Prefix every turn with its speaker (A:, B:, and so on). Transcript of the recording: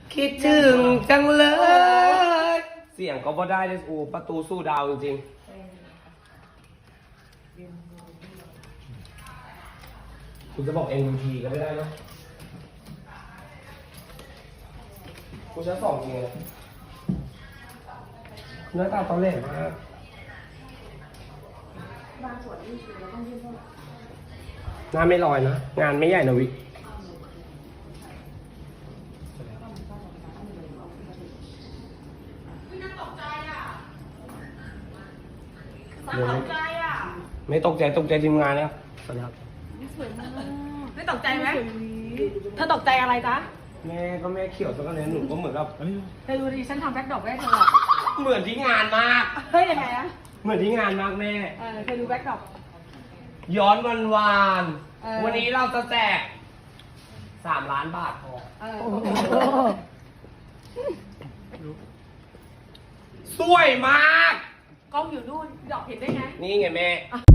A: คิดถึงจังเลย เสียงก็บ่ได้เลยโอ้ประตูสู้ดาวจริงๆคุณจะบอก MVP ก็ไม่ได้เนาะกูใช้สองจริงเลยหน้าตาตอนแรกมากบางส่วนนี่คือเราต้องยื่นเท่าไหร่หน้าไม่ลอยนะ งานไม่ใหญ่นะวิไม่ตกใจทีมงานแล้วสวัสดีครับ
B: ไม่ตกใจไหมเธอตกใจอะไรจ๊ะ
A: แม่ก็แม่เขียวสักแล้วหนูก็เหมือนกับ
B: เธอดูดิฉันทำแบ็คดรอปไว้ให้เธออะ
A: เหมือนที่งานมาก
B: เฮ้ยยังไงอะ
A: เหมือนที่งานมากแม่
B: เธอดูแบ็คดรอป
A: ย้อนวัน
B: เออ
A: วันนี้เราจะแจก3 ล้านบาทพอสวยมาก
B: กล้องอยู่นู่นดรอปเห็นได้ไง
A: นี่ไงแม่